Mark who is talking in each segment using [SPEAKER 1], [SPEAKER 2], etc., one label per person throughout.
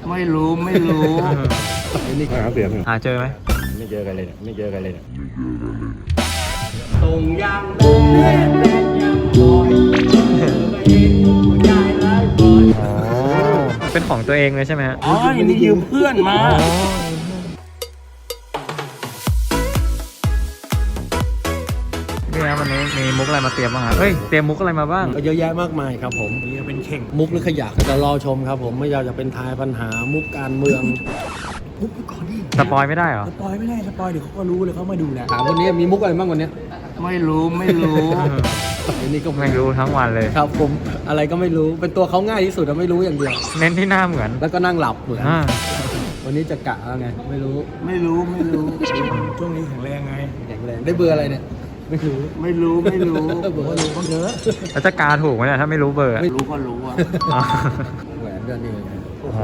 [SPEAKER 1] ไม่รู้
[SPEAKER 2] นี่หาเสียง
[SPEAKER 3] หาเจอไหม
[SPEAKER 2] ไม่เจอกันเลยเนี่ยไม่เจอกันเลยเนี่ย
[SPEAKER 1] ตรงยางแดงยังลอยไม่เห็นหัวใจร้ายบอย
[SPEAKER 3] อ๋อเป็นของตัวเองเลยใช่ไหมฮะ
[SPEAKER 1] อ๋อนี่ยืมเพื่อนมา
[SPEAKER 3] นี่นะวันนี้มีมุกอะไรมาเตรียมบ้างฮะเฮ้ยเตรียมมุกอะไรมาบ้าง
[SPEAKER 4] ก็เยอะแยะมากมายครับผมนี่เป็นเข่งมุกหรือขยะจะรอชมครับผมไม่อยากจะเป็นทายปัญหามุกการเมืองมุกไปก่อนดิ
[SPEAKER 3] สปอยไม่ได้เหรอ
[SPEAKER 4] สปอยไม่ได้สปอยเดี๋ยวเขาก็รู้เลยเขามาดูแลถามวันนี้มีมุกอะไรบ้างวันนี้
[SPEAKER 1] ไม่รู้
[SPEAKER 4] เดี๋ยวนี้ก็
[SPEAKER 3] ไม่รู้ทั้งวันเลย
[SPEAKER 4] ครับผมอะไรก็ไม่รู้เป็นตัวเขาง่ายที่สุดอะไม่รู้อย่างเดียว
[SPEAKER 3] เน้นที่หน้าเหมือน
[SPEAKER 4] แล้วก็นั่งหลับเหมือน
[SPEAKER 3] อ่า
[SPEAKER 4] วันนี้จะกะแล้วไงไม่รู้
[SPEAKER 5] ช่วงนี้แข็งแรงไง
[SPEAKER 4] แข็งแรงได้เบอร์อะไรเนี่ยไม่รู้
[SPEAKER 1] ไม่รู้
[SPEAKER 4] บอกว่ารู้บ้างเถอะ
[SPEAKER 3] แล้วจะกาถูกไหมเนี่ยถ้าไม่รู้เบอร์อะ
[SPEAKER 1] รู้ก็รู้อ่ะ
[SPEAKER 3] อ๋อ
[SPEAKER 4] แหวนเดือนนี้ไง
[SPEAKER 3] อ๋อ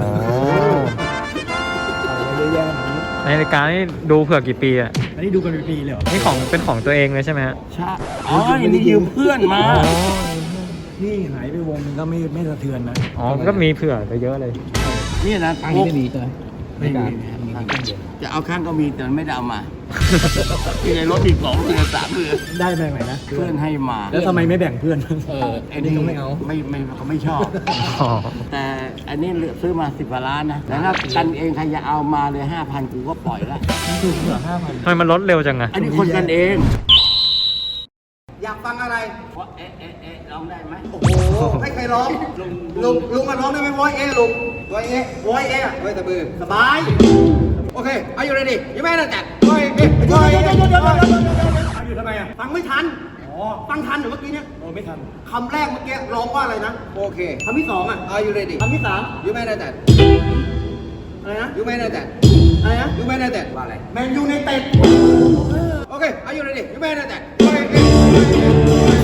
[SPEAKER 4] เยอะแยะแบบนี้
[SPEAKER 3] นาฬิกานี่ดูเผื่อกี่ปีอ่ะ
[SPEAKER 5] อันนี้ดูกันเป็นปีเลยเหรอ
[SPEAKER 3] นี่ของเป็นของตัวเองเลยใช่ไหมฮะ
[SPEAKER 1] ใช่อ๋อนี่ยืมเพื่อนมา
[SPEAKER 5] นี่หายไปวงนึงก็ไม่สะเทือนนะ
[SPEAKER 3] อ๋อก็มีเผื่อไปเยอะเลย
[SPEAKER 1] นี่นะ
[SPEAKER 4] อันนี้ไม่มีใช่ไหม
[SPEAKER 1] ไม่มีจะเอาข้างก็มีแต่ไม่ได้เอามาที่ในรถอีก2 เรือ 3 เรือ
[SPEAKER 5] ได้แบ่งไหนนะ
[SPEAKER 1] เพื่อนให้มา
[SPEAKER 5] แล้วทำไมไม่แบ่งเพื่อน
[SPEAKER 1] ไอ้นี่ก็ไม่เอาไม่เขาไม่ชอบ
[SPEAKER 3] อ๋อ
[SPEAKER 1] แต่อันนี้ซื้อมา10 กว่าล้านนะแต่ถ้ากันเองใครจะเอามาเลย 5,000 กูก็ปล่อยละ
[SPEAKER 5] ถูกเหรอ5,000
[SPEAKER 3] ทำไมมันลดเร็วจังอะ
[SPEAKER 1] อันนี้คนกันเอง
[SPEAKER 4] อยากฟังอะไร
[SPEAKER 1] ว่าเอ๊ะร้องได้ไหม
[SPEAKER 4] โอ้โหให้ใครร้องลุงมาร้องได้ไหมวอยเอลุงวอยเอวอยเอวอยตะบือสบายโอเค are you ready ยังไม่ได้จัดวอยเอวอยเอ
[SPEAKER 5] เอาอยู่ทำไมอ่ะ
[SPEAKER 4] ฟังไม่ทัน
[SPEAKER 5] อ๋อ
[SPEAKER 4] ฟังทันหรือเมื่อกี้เนี่ย
[SPEAKER 5] โอ้ไม่ทัน
[SPEAKER 4] คำแรกเมื่อกี้ร้องว่าอะไรนะโอเคคำที่สองอ่ะ are you ready คำที่สามยูไม่ได้จัดอะไรนะยูไม่ได้จัดอะไรนะยูไม่ได้จัดว่าอะไรแมนยูในเต็ดโอเค are you ready ยูไม่ได้จัดวอยเอ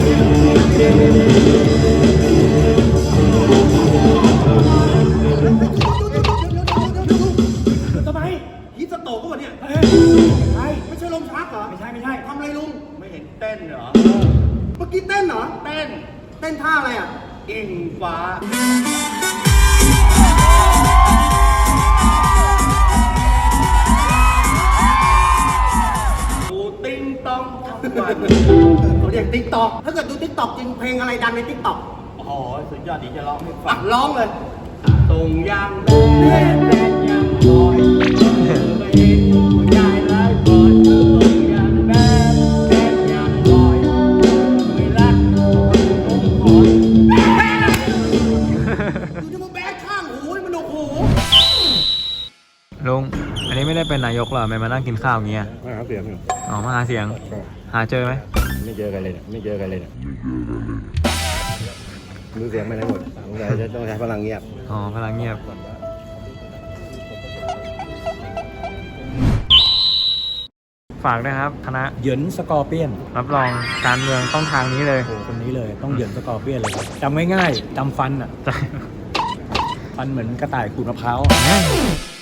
[SPEAKER 5] ทำไม
[SPEAKER 4] ฮิตสโตกก็วะเนี่ย
[SPEAKER 5] ใช่
[SPEAKER 4] ไม่ใช่ลมชักเหรอ
[SPEAKER 5] ไม่ใช่ไม่ใช่
[SPEAKER 4] ทำอะไรลุง
[SPEAKER 1] ไม่เห็นเต้นเหรอ
[SPEAKER 4] เมื่อกี้เต้นเหรอ
[SPEAKER 1] เต้น
[SPEAKER 4] เต้นท่าอะไรอ่ะ
[SPEAKER 1] อิงฟ้าดูติ้งต้องทั้งวัน
[SPEAKER 4] เขาเรียกติ๊กต็อกถ้าเกิดดูติ๊กต็อกจริงเพลงอะไรดังในติ๊กต็อก
[SPEAKER 1] โอ้โหสุดยอดดีจะร้องให้ฟั
[SPEAKER 4] อ่ะ
[SPEAKER 1] ง
[SPEAKER 4] ร้องเลย
[SPEAKER 1] ตรงยางแดงยังลอยไม่เห็นหัวใจร้ายบอยตรงยางแดงยังลอยไม่รักผมขอ
[SPEAKER 4] ดูจะมาแบกข้างหูนี่มันโอ้โห
[SPEAKER 3] ลุงอันนี้ไม่ได้เป็นนายกหรอทำไมมานั่งกินข้าวอย่างเงี้ย
[SPEAKER 2] หาเสียง
[SPEAKER 3] อ๋อมาหาเสียง หาเจอไหม
[SPEAKER 2] ไม่เจอกันเลยเนี่ยไม่เจอกันเลยเนี่ยดูเสียงไม่ได้หมดต้องใช้พลังเงียบ
[SPEAKER 3] อ๋อพลังเงียบฝากด้วยครับคณะ
[SPEAKER 5] เหยินสกอร์เปียน
[SPEAKER 3] รับรองการเมืองต้องทางนี้เลย
[SPEAKER 5] โอ้คนนี้เลยต้องเหยินสกอร์เปียนเลยครับจำง่ายๆจำฟันอ่ะ ฟันเหมือนกระต่ายขูดมะพร้าว
[SPEAKER 3] ใช่